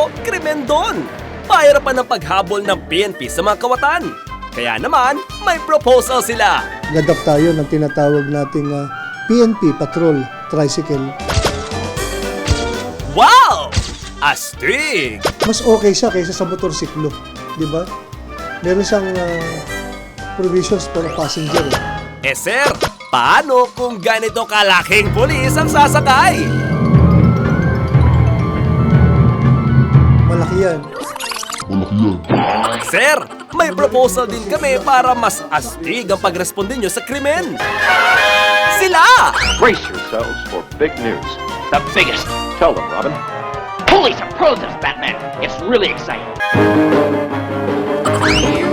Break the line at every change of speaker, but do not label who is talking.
pero krimen doon. Pahirapan ng paghabol ng PNP sa mga kawatan. Kaya naman, may proposal sila.
Gadap tayo ng tinatawag nating PNP Patrol Tricycle.
Wow! Astig!
Mas okay siya kaysa sa motorsiklo, di ba? Meron siyang provisions for a passenger.
Sir, paano kung ganito kalaking pulis ang sasakay?
Malaki yan.
Sir, may proposal din kami para mas astig ang pagresponde nyo sa krimen. Sila!
Brace yourselves for big news. The biggest. Tell them, Robin. Police are pros as Batman. It's really exciting.